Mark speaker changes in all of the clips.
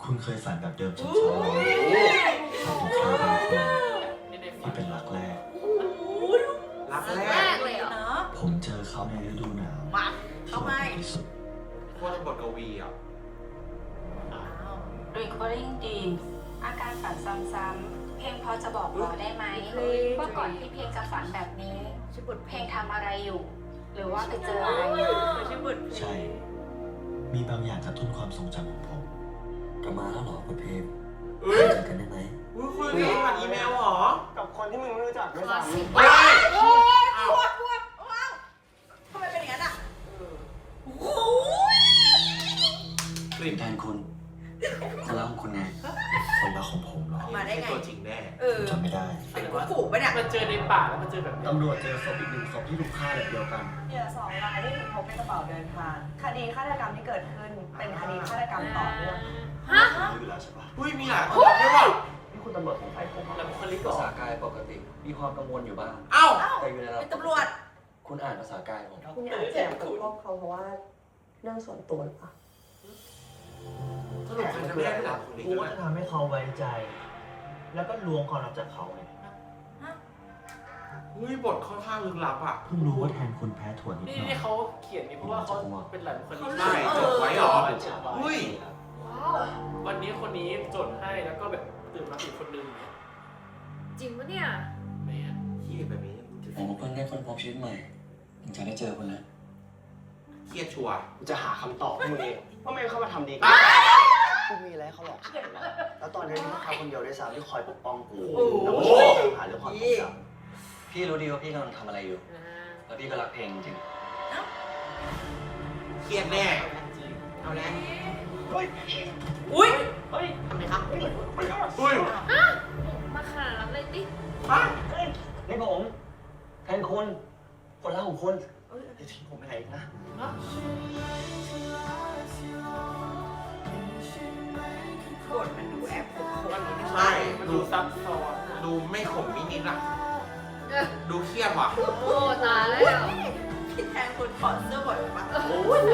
Speaker 1: คุณเคยฝันแบบเดิมซ้ำๆไหมฝันถึงใครบางคนที่เป็นรักแรก
Speaker 2: รักแรก
Speaker 3: เลยเหรอ
Speaker 1: ผมเจอเขาในฤดูหนาว
Speaker 3: มา
Speaker 1: ที่
Speaker 3: เข้า
Speaker 1: อบ
Speaker 3: ไป
Speaker 1: อุ่นที่สุด
Speaker 2: โคตรบทกวีอ่ะ
Speaker 4: Recording Dreams อาการฝันซ้ำๆเพลงพอจะบอกเราได้ไหมว่าก่อนที่เพลงจะฝันแบบนี้
Speaker 3: ชื่อบท
Speaker 4: เพลงทำอะไรอยู่ หรือว่าไปเจออะไรมา
Speaker 3: ชื่อบท
Speaker 1: ใช่ มีบางอย่างกระตุ้นความทรงจำของผม
Speaker 5: กลับมาแล้วเหรอคุณเพม
Speaker 2: เอ้ย
Speaker 5: เจอกันได้ไหม
Speaker 2: คุยกันผ่านอีเมลเหรอ
Speaker 6: กับคนที่มึงไม่รู้จักด้วย
Speaker 3: คลาส
Speaker 6: ซ้ำ
Speaker 3: สิก
Speaker 2: เฮ้ย
Speaker 3: อ้าวว้าวทำไมเป็นอย่างนั้นอ่ะโอ้ย
Speaker 2: กลิ่น
Speaker 5: แทนคุณคนรักของคุณไง
Speaker 1: คนรักของผมเหรอ
Speaker 3: มาได้ไง
Speaker 2: ตัวจริงแน่
Speaker 1: ผมจำไม่ได้
Speaker 3: เป็นกูฝูปะเนี่ย
Speaker 7: มันเจอในป่าแล้วมันเจอแบบนี้
Speaker 6: ตำรวจเจอศพอีกหนึ่งศพที่ถูกฆ่าแบบเดียวกัน
Speaker 8: เหยื่อ2 รายที่ถูกพบในกระเป๋าเดินทาง คดีฆาตกรรมที่เกิดขึ้น เป็นคดีฆาตกรรมต่อเนื่อง
Speaker 3: ฮะ
Speaker 1: รู้อยู่แล้วใช่ปะ
Speaker 2: อุ้ยมีหลายคนด้วยว่ะ
Speaker 6: นี่คุณตำรวจสงสัยผมเหร
Speaker 7: แล้ว
Speaker 6: อ
Speaker 7: บุคลิก
Speaker 5: ภา
Speaker 7: ก่อ
Speaker 5: ษาน กายปกติ มีความกังวลอยู่บ้าง
Speaker 2: เอ้า
Speaker 5: แต่อยู่ในระดับ
Speaker 3: เป็นตำรวจ
Speaker 5: คุณอ่านภาษากายผม
Speaker 8: คุณอาจจะปกป้องเขาเพราะว่าเรื่องส่วนตัวหรือเปล่า
Speaker 2: สรุปใครจะไม่ได้หลับคนนี้
Speaker 6: กู
Speaker 2: กั
Speaker 6: ว่าน จะ
Speaker 2: นะ
Speaker 6: ทำให้เขาไว้ใจ แล้วก็ลวงความลับจากเขาไง
Speaker 2: อุ้ยบทค่อนข้างลึกลับอ่ะ
Speaker 1: เพิ่งรู้ว่าแทนคุณแพ้ถั่วนิดห
Speaker 7: นี่
Speaker 1: น่อย
Speaker 7: นี่เขาเขียนนี่เพราะว่าเขาเป็นหลายบุคลิก
Speaker 2: ใช่จดไว้เหรอ อุ้ย
Speaker 7: วันนี้คนนี้จดให้แล้วก็แบบตื่นมาอีกคนนึงเนี่ย
Speaker 3: จริงปะเนี่ย
Speaker 7: แม่
Speaker 2: เครียดแบบนี้
Speaker 5: ผมเพิ่งได้คนพบชีวิตใหม่ถึงจะได้เจอคุณนะ
Speaker 2: เครียดชัวร์
Speaker 6: กูจะหาคำตอบให้มึงเองว่าไม่เข้ามาทำดีกันกูมีอะไรให้เขาหลอกฉันนะแล้วตอนนี้มีแค่เขาคนเดียวด้วยซ้ำที่คอยปกป้องกูแล้วก็ช่วยตามหาเรื่องความทรงจำ
Speaker 5: พี่รู้ดีว่าพี่กำลังทำอะไรอยู่ แล้วพี่ก็รักเพลงจริง
Speaker 2: เครียดแน่
Speaker 7: จริง
Speaker 2: เอาแล้ว
Speaker 3: อุ้ย
Speaker 7: เฮ้ย
Speaker 3: ทำไมครับ
Speaker 2: อุ้ย
Speaker 3: มาขนาดนั้นเลยดิ
Speaker 2: ฮะ
Speaker 6: นี่ผมแทนคุณคนรักของคุณอย่าทิ้งผมไปไหนอีกนะ
Speaker 3: บทมันดูแอบขมขม
Speaker 2: ใช่
Speaker 7: มัน
Speaker 2: ดู
Speaker 7: ดูซับซ้อนอะ
Speaker 2: ดูไม่ขมนิดๆอ่ะ ดูเครียดว่ะ
Speaker 3: โอ้ตายแล้วพี่แทนคนถอดเสื้อบ่อยปะโอ้ย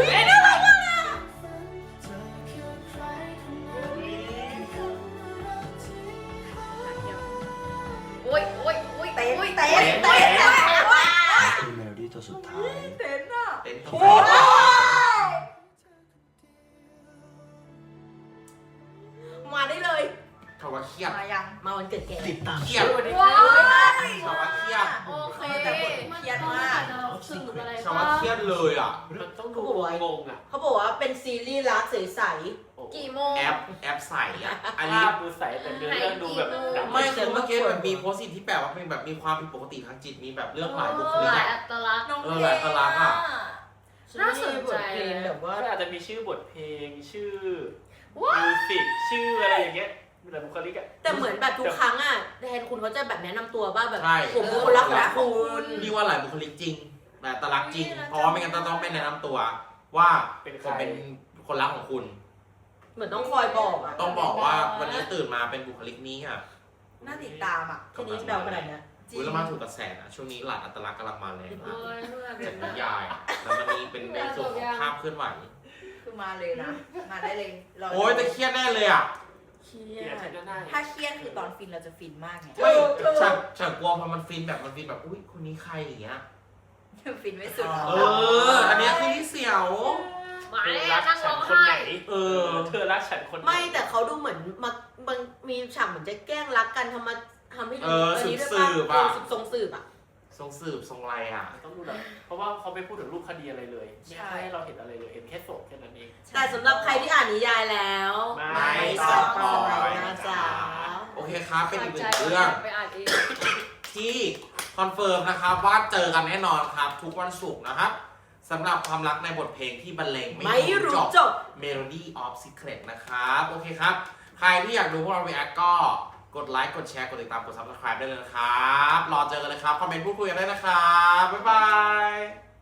Speaker 3: โอ้ยโอ้ยโอ้ยเต้นเต้นเต้น
Speaker 1: นี่คือเมโลดี้ตัวสุดท้าย
Speaker 3: เต้นอ่ะ
Speaker 2: เต้นตรง
Speaker 3: โอ้
Speaker 2: ไหน
Speaker 3: มาได้เลย
Speaker 2: คำว่าเครียด
Speaker 3: มายังมาวันเกิดแก
Speaker 6: ติดตาม
Speaker 2: เครียด
Speaker 3: ว้าย
Speaker 2: คำว่าเครียด
Speaker 3: โอเคแต่บทเครียดมาก
Speaker 4: สื่ออะไร
Speaker 2: คำว่าเครียดเลยอ่ะ
Speaker 7: มันต้องดูงงอ่ะ
Speaker 3: เขาบอกว่าเป็นซีรีส์รักใส
Speaker 7: โอ้
Speaker 3: กี่โมง
Speaker 2: แอปใส่อ่ะ อันนี้
Speaker 7: ภาพดูใสแต่เนื้อเรื่องดูแบบดำ
Speaker 2: ไม่คือเมื่อกี้แบบมีโพสต์ที่แปลว่าเป็นแบบมีความผิดปกติทางจิต มีแบบเรื่องหลายบุคลิก
Speaker 3: หลาย
Speaker 2: อะ
Speaker 3: อัตลักษณ์น้อง
Speaker 2: เออหลายอัตลักษณ์อะ
Speaker 3: น่าสนใจแบบว่า
Speaker 7: ก็อาจจะมีชื่อบทเพลงชื่อมิวสิกชื่ออะไรอย่างเงี้ยมีหลายบุคลิกอ่ะ
Speaker 9: แต่เหมือนแบบทุกครั้งอ่ะแทนคุณเขาจะแบบแนะนำตัวว่าแบบ
Speaker 2: ใช่
Speaker 9: ผมเป็นคนรักของคุณ
Speaker 2: นี่ว่าหลายบุคลิกจริงหลายอัตลักษณ์จริง เพราะว่าไม่งั้นต้องเป็นแนะนำตัว ว่าผมเป็นคนรักของคุณ
Speaker 9: เหมือนต้องคอยบอกอ่ะ
Speaker 2: ต้องบอกว่าวันนี้ตื่นมาเป็นบุคลิกนี้อ่ะ
Speaker 3: น่าติดตามอ่ะ
Speaker 9: ทีนี้เดาขนาดนี้
Speaker 2: อุ้ยแล้วมาถูกกระแสนะช่วงนี้หลายอัตลักษณ์กำลังมาแรงมาก
Speaker 3: เอ้ยเมื่อ
Speaker 2: จากนิยายอะแล้วมันมีเป็นในส่วนของภาพเคลื่อนไหว
Speaker 3: คือมาเลยนะ มาได้เลยร
Speaker 2: โอ้ยแต่เครียดแน่เลยอ่ะ
Speaker 9: เครี
Speaker 7: เก
Speaker 9: ย
Speaker 7: ลียด
Speaker 9: ด
Speaker 7: ก็ได้
Speaker 3: ถ้าเครียดคือตอนฟินเราจะฟินมากไง
Speaker 2: เฮ้ยฉันกลัวพอมันฟินแบบอุ้ยคนนี้ใครอย่างเงี้ย
Speaker 3: ฟินไม่สุด
Speaker 2: เออ อันเนี้ยคือที่เสียว
Speaker 3: มา
Speaker 7: เธอ
Speaker 3: แล้
Speaker 7: รั
Speaker 3: ว
Speaker 7: ก
Speaker 3: นั่ง
Speaker 7: ฉั
Speaker 3: ร้
Speaker 7: น
Speaker 3: อง
Speaker 7: คนไหน
Speaker 3: ไห้
Speaker 2: เออ
Speaker 7: เธอรักฉันคนไหน
Speaker 9: ไม่แต่เขาดูเหมือนบางมีฉากเหมือนจะแกล้งรักกันทำให้ดู
Speaker 2: เออ
Speaker 9: นี้ด้วย
Speaker 2: สืบ
Speaker 9: ป่ะ
Speaker 2: อะ
Speaker 9: ทรงสืบอ่ะ
Speaker 2: ทรงสืบทรงอะไรอ่ะ
Speaker 7: ต้องดูแบบเพราะว่าเขาไม่พูดถึงรูปคดีอะไรเลยไม่ให้เราเห็นอะไรเลยเห็นแค่ศพแค่นั้นเอง
Speaker 9: แต่สำหรับใครที่อ่านนิยายแล้ว
Speaker 7: ไม่
Speaker 9: ส
Speaker 2: ส
Speaker 9: ป
Speaker 2: ป
Speaker 9: อ
Speaker 2: อย
Speaker 9: ยนะจ๊ะ
Speaker 2: โอเคครับ เป็นอีกหนึ่ง
Speaker 3: ใจ
Speaker 2: เรื่อง
Speaker 3: ไปอ่านเอง
Speaker 2: ที่คอนเฟิร์มนะครับว่าเจอกันแน่นอนครับ ทุกวันศุกร์นะครับสำหรับความรักในบทเพลงที่บรรเลง
Speaker 9: ไม่รู้จบ
Speaker 2: Melody of Secret นะครับ โอเคครับ ใครที่อยากดูพวกเรา react ก็กดไลค์ กดแชร์ กดติดตาม กด subscribe ได้เลยนะครับ รอเจอกันเลยครับ คอมเมนต์พูดคุยกันได้นะครับ บ๊ายบาย